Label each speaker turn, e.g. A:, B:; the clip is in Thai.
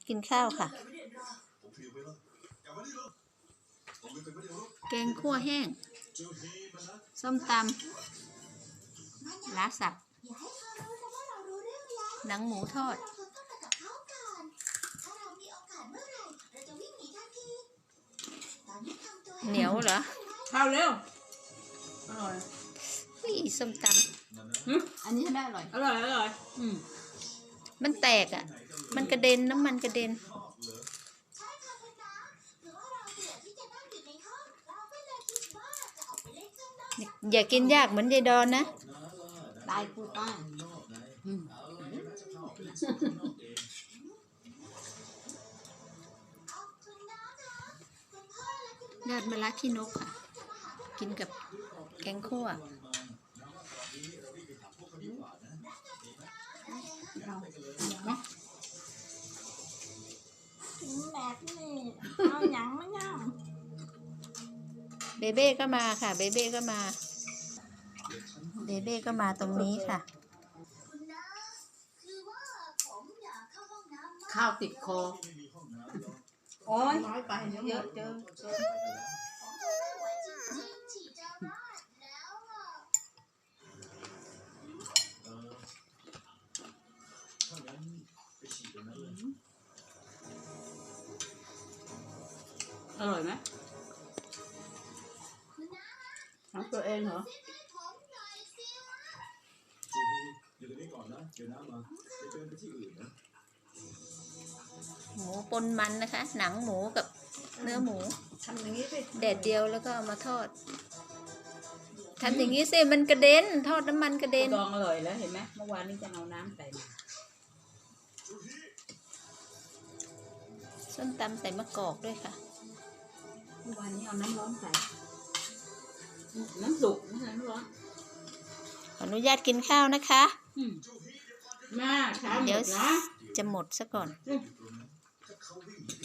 A: กินข้าวค่ะแกงคั่วแห้งส้มตำล้าสับหนังหมูทอดเหนียวเหรอ
B: ข้าวเร็วอร่อย
A: ส้มตำอันนี้ได้อร่อยมันแตกอ่ะมันกระเด็นน้ำมันกระเด็นอย่ากินยากเหมือนยายดอนนะ
B: ตายกูตาย
A: ยอดมะระขี้นกค่ะกินกับแกงคั่ว
B: แบบนี้เอาหยังไม่ยัง
A: เบเบ้ก็มาค่ะเบเบ้ก็มาเบเบ้ก็มาตรงนี้ค่ะ
B: ข้าวติดคอโอ้ยน้อยไปเยอะเจออร่อยไหมทำตัวเองเหรอ
C: อยู่ตรงนี้ก่อนนะเดี๋ยวน้ำมาจะเดินไปที่อื่นนะ
A: หมูปนมันนะคะหนังหมูกับเนื้อหมู
B: ทำอย่างนี้สิ
A: แดดเดียวแล้วก็เอามาทอดทำอย่างนี้สิมันกระเด็นทอดน้ำมันกระเด็น
B: ดองอร่อยแล้วเห็นไหมเมื่อวานนี้จะเอาน้ำใส่มา
A: ส้มตำใส่มะกอกด้วยค่ะ
B: เมื่อวานนี้เอาน้ำร้อนใส่น้ำสุกน้ำร้อน
A: ขออนุญาตกินข้าวนะคะ
B: มาช้าหมดนะ
A: จะหมดซะก่อน